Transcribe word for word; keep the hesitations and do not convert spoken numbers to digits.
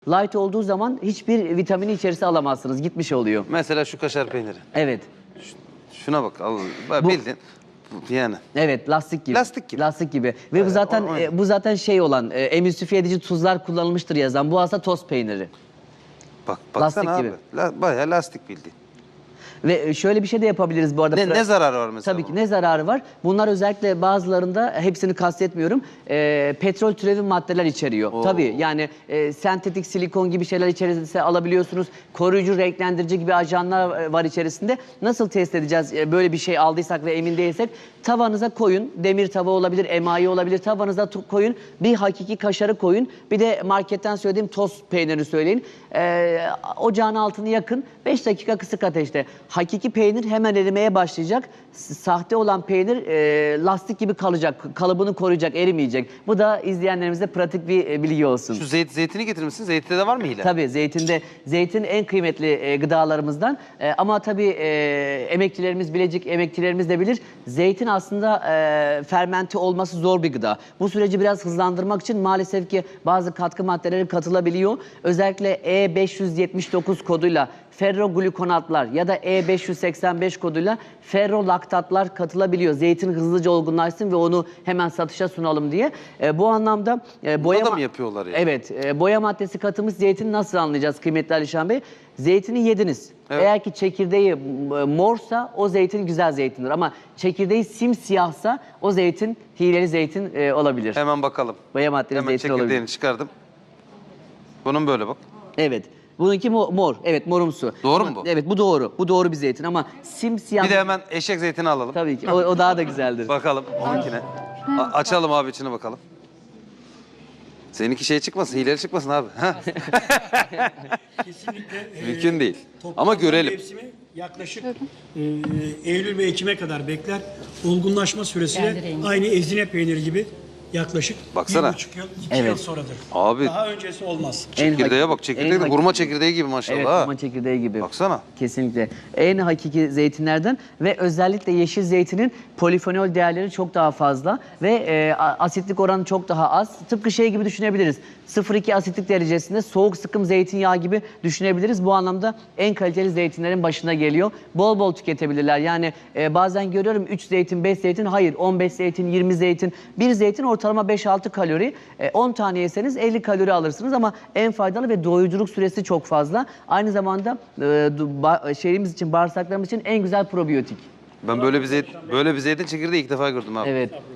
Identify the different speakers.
Speaker 1: Light olduğu zaman hiçbir vitamini içerisi alamazsınız. Gitmiş oluyor.
Speaker 2: Mesela şu kaşar peyniri.
Speaker 1: Evet.
Speaker 2: Şuna bak. Al,
Speaker 1: Bu-
Speaker 2: bildin. Yani.
Speaker 1: Evet, lastik gibi.
Speaker 2: Lastik gibi.
Speaker 1: Lastik gibi. Ve bu zaten
Speaker 2: o- o-
Speaker 1: e, bu zaten şey olan e, emülsifiye edici tuzlar kullanılmıştır yazan. Bu aslında toz peyniri.
Speaker 2: Bak baksana
Speaker 1: Lastik
Speaker 2: abi.
Speaker 1: gibi.
Speaker 2: La, bayağı lastik bildiğin.
Speaker 1: Ve e, şöyle bir şey de yapabiliriz bu arada.
Speaker 2: Ne,
Speaker 1: Fra-
Speaker 2: ne zararı var mesela?
Speaker 1: Tabii ki
Speaker 2: bunun?
Speaker 1: ne zararı var? Bunlar özellikle bazılarında, hepsini kastetmiyorum, e, petrol türevi maddeler içeriyor.
Speaker 2: Oo.
Speaker 1: Tabii yani e, sentetik silikon gibi şeyler içerisinde alabiliyorsunuz. Koruyucu, renklendirici gibi ajanlar e, var içerisinde. Nasıl test edeceğiz e, böyle bir şey aldıysak ve emin değilsek? Tavanıza koyun. Demir tava olabilir, emayi olabilir. Tavanıza tu- koyun. Bir hakiki kaşarı koyun. Bir de marketten söylediğim toz peynirini söyleyin. E, ocağın altını yakın. beş dakika kısık ateşte. Hakiki peynir hemen erimeye başlayacak. S- Sahte olan peynir e, lastik gibi kalacak. Kalıbını koruyacak, erimeyecek. Bu da izleyenlerimize pratik bir e, bilgi olsun.
Speaker 2: Şu zeyt, zeytini getirmişsin. Zeytinde de var mı hile?
Speaker 1: Tabii zeytinde, zeytin en kıymetli e, gıdalarımızdan. E, ama tabii e, emekçilerimiz, Bilecik emekçilerimiz de bilir. Zeytin aslında e, fermente olması zor bir gıda. Bu süreci biraz hızlandırmak için maalesef ki bazı katkı maddeleri katılabiliyor. Özellikle E beş yüz yetmiş dokuz koduyla ferroglukonatlar ya da E beş yüz seksen beş koduyla ferrolaktatlar katılabiliyor. Zeytin hızlıca olgunlaşsın ve onu hemen satışa sunalım diye. E, bu anlamda e, boya
Speaker 2: da
Speaker 1: ma-
Speaker 2: mı yapıyorlar yani?
Speaker 1: Evet, e, boya maddesi katılmış zeytini nasıl anlayacağız kıymetli Alişan Bey? Zeytini yediniz.
Speaker 2: Evet.
Speaker 1: Eğer ki çekirdeği e, morsa o zeytin güzel zeytindir ama çekirdeği simsiyahsa o zeytin hileli zeytin e, olabilir.
Speaker 2: Hemen bakalım.
Speaker 1: Boya maddeli
Speaker 2: Hemen
Speaker 1: zeytin olabilir.
Speaker 2: çekirdeğini çıkardım. Bunun böyle bak.
Speaker 1: Evet. Bununki mo- mor. Evet, morumsu.
Speaker 2: Doğru
Speaker 1: Ama-
Speaker 2: mu bu?
Speaker 1: Evet, bu doğru. Bu doğru bir zeytin ama simsiyah...
Speaker 2: Bir de hemen eşek zeytini alalım.
Speaker 1: Tabii ki. O, o daha da güzeldir.
Speaker 2: Bakalım onunkine. A- açalım abi içine bakalım. Seninki şey çıkmasın, hileli çıkmasın abi. Ha?
Speaker 3: Kesinlikle. e,
Speaker 2: Mümkün değil.
Speaker 3: toplanma
Speaker 2: Ama görelim.
Speaker 3: Mevsimi yaklaşık e, Eylül ve Ekim'e kadar bekler. Olgunlaşma süresi
Speaker 4: Kendi
Speaker 3: de
Speaker 4: rengi.
Speaker 3: aynı ezine peyniri gibi yaklaşık
Speaker 2: Baksana.
Speaker 3: bir buçuk yıl, iki
Speaker 1: Evet.
Speaker 3: yıl sonradır.
Speaker 2: Abi.
Speaker 3: Daha öncesi olmaz.
Speaker 1: En
Speaker 2: Çekirdeğe
Speaker 1: hak-
Speaker 2: bak, çekirdeği de
Speaker 1: en
Speaker 2: hurma
Speaker 1: hak-
Speaker 2: çekirdeği gibi maşallah.
Speaker 1: Evet,
Speaker 2: ha.
Speaker 1: hurma çekirdeği gibi.
Speaker 2: Baksana.
Speaker 1: Kesinlikle. En hakiki zeytinlerden ve özellikle yeşil zeytinin polifenol değerleri çok daha fazla ve e, a- asitlik oranı çok daha az. Tıpkı şey gibi düşünebiliriz. sıfır virgül iki asitlik derecesinde soğuk sıkım zeytinyağı gibi düşünebiliriz. Bu anlamda en kaliteli zeytinlerin başına geliyor. Bol bol tüketebilirler. Yani e, bazen görüyorum üç zeytin, beş zeytin. Hayır, on beş zeytin, yirmi zeytin. Bir zeytin ortalama beş altı kalori. E, on tane yeseniz elli kalori alırsınız ama en faydalı ve doyuculuk süresi çok fazla. Aynı zamanda e, du- ba- şeyimiz için, bağırsaklarımız için en güzel probiyotik.
Speaker 2: Ben böyle bir zeytin, böyle bir zeytin çekirdeği ilk defa gördüm abi.
Speaker 1: Evet.